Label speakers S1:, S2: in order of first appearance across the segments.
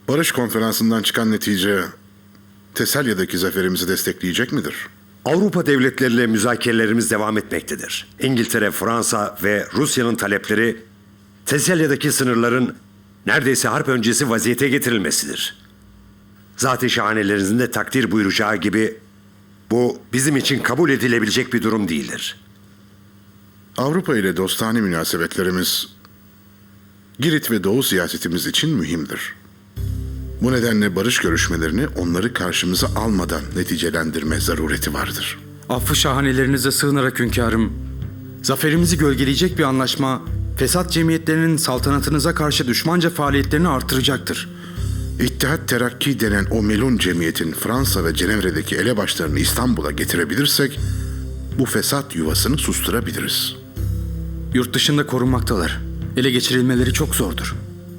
S1: Barış konferansından çıkan netice Tesalya'daki zaferimizi destekleyecek midir?
S2: Avrupa devletleriyle müzakerelerimiz devam etmektedir. İngiltere, Fransa ve Rusya'nın talepleri Tesalya'daki sınırların neredeyse harp öncesi vaziyete getirilmesidir. Zat-ı şahanelerinizin de takdir buyuracağı gibi bu bizim için kabul edilebilecek bir durum değildir.
S1: Avrupa ile dostane münasebetlerimiz Girit ve Doğu siyasetimiz için mühimdir. Bu nedenle barış görüşmelerini onları karşımıza almadan neticelendirme zarureti vardır.
S3: Affı şahanelerinize sığınarak hünkârım, zaferimizi gölgeleyecek bir anlaşma, fesat cemiyetlerinin saltanatınıza karşı düşmanca faaliyetlerini artıracaktır.
S1: İttihat Terakki denen o melun cemiyetin Fransa ve Cenevre'deki elebaşlarını İstanbul'a getirebilirsek, bu fesat yuvasını susturabiliriz.
S3: Yurt dışında korunmaktalar. Ele geçirilmeleri çok zordur.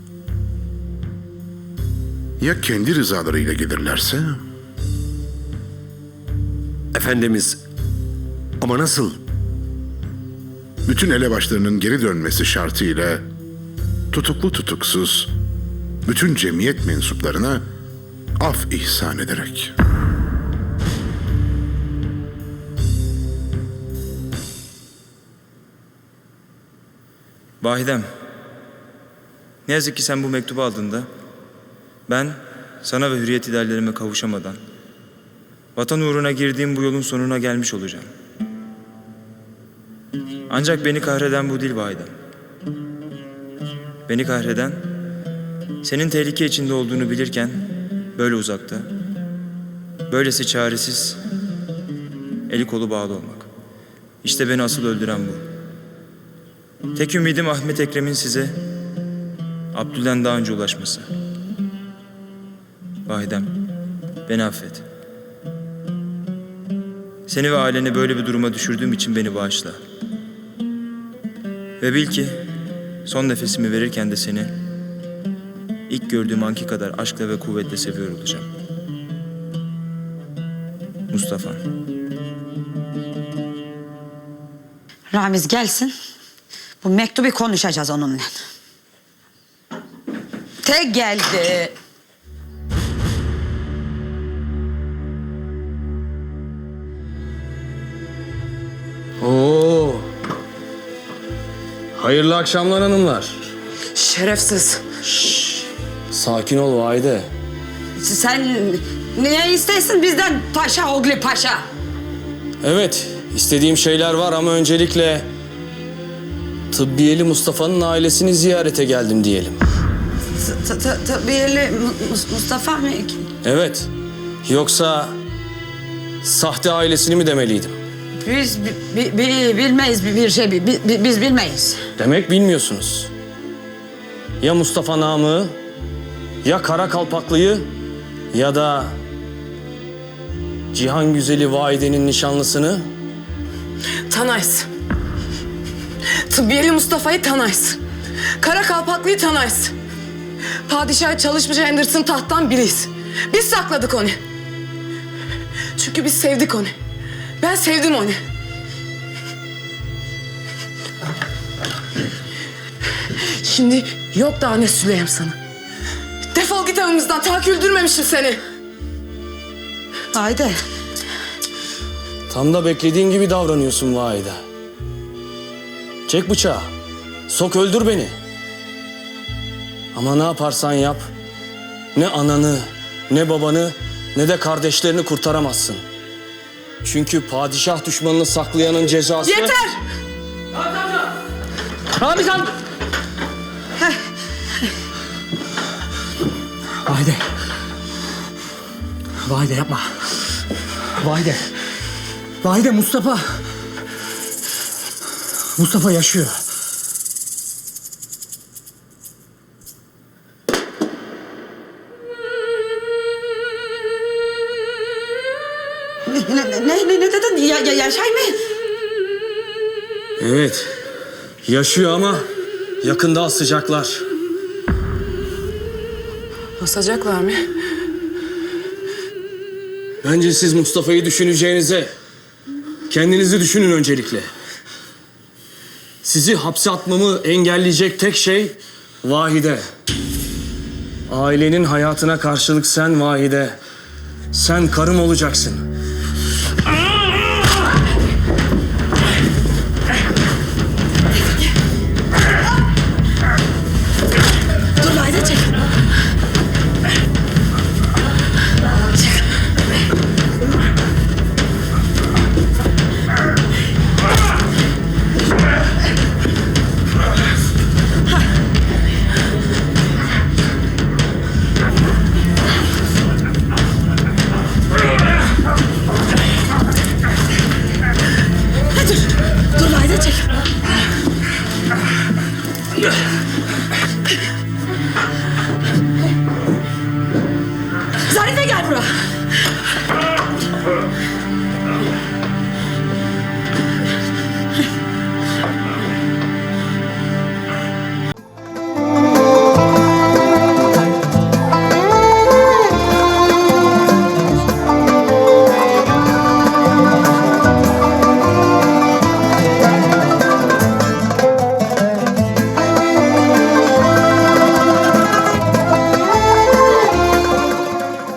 S1: Ya kendi rızalarıyla gelirlerse?
S2: Efendimiz, ama nasıl?
S1: Bütün elebaşlarının geri dönmesi şartıyla tutuklu tutuksuz bütün cemiyet mensuplarına af ihsan ederek.
S4: Vahidem, ne yazık ki sen bu mektubu aldığında ben sana ve hürriyet ideallerime kavuşamadan vatan uğruna girdiğim bu yolun sonuna gelmiş olacağım. Ancak beni kahreden bu değil Vahidem. Beni kahreden senin tehlike içinde olduğunu bilirken böyle uzakta, böylesi çaresiz, eli kolu bağlı olmak. İşte beni asıl öldüren bu. Tek ümidim Ahmet Ekrem'in size Abdül'den daha önce ulaşması. Vahidem, beni affet. Seni ve aileni böyle bir duruma düşürdüğüm için beni bağışla. Ve bil ki son nefesimi verirken de seni ilk gördüğüm anki kadar aşkla ve kuvvetle seviyor olacağım. Mustafa.
S5: Ramiz gelsin. Bu mektubu konuşacağız onunla. Tek geldi.
S6: Oo. Hayırlı akşamlar hanımlar.
S5: Şerefsiz.
S6: Sakin ol Vahide.
S5: Sen ne istersin bizden paşa oğlu paşa?
S6: Evet, istediğim şeyler var ama öncelikle Tıbbiyeli Mustafa'nın ailesini ziyarete geldim diyelim.
S5: Tıbbiyeli Mustafa mı?
S6: Evet, yoksa sahte ailesini mi demeliydim?
S5: Biz bilmeyiz bir şey. Biz bilmeyiz.
S6: Demek bilmiyorsunuz. Ya Mustafa Namık'ı, ya Kara Kalpaklı'yı ya da Cihan Güzeli Vahide'nin nişanlısını.
S7: Tanayız. Tıbbiyeli Mustafa'yı tanayız. Kara Kalpaklı'yı tanayız. Padişah çalışmış Henderson tahttan biriyiz. Biz sakladık onu. Çünkü biz sevdik onu. Ben sevdim onu. Şimdi yok daha ne söyleyeyim sana. Defol git evimizden. Ta ki öldürmemişim seni.
S5: Haydi.
S6: Tam da beklediğin gibi davranıyorsun Vahide. Çek bıçağı. Sok öldür beni. Ama ne yaparsan yap, ne ananı, ne babanı, ne de kardeşlerini kurtaramazsın. Çünkü padişah düşmanını saklayanın cezası...
S7: Yeter!
S6: Ramiz Han!
S8: Vahide. Vahide yapma. Vahide. Vahide Mustafa. Mustafa yaşıyor.
S5: Ne dedin? Yaşay mı?
S6: Evet, yaşıyor ama yakında asacaklar.
S7: Asacaklar mı?
S6: Bence siz Mustafa'yı düşüneceğinize kendinizi düşünün öncelikle. Sizi hapse atmamı engelleyecek tek şey Vahide. Ailenin hayatına karşılık sen Vahide. Sen karım olacaksın.
S7: Dur Vahide çek. Dur Vahide çek.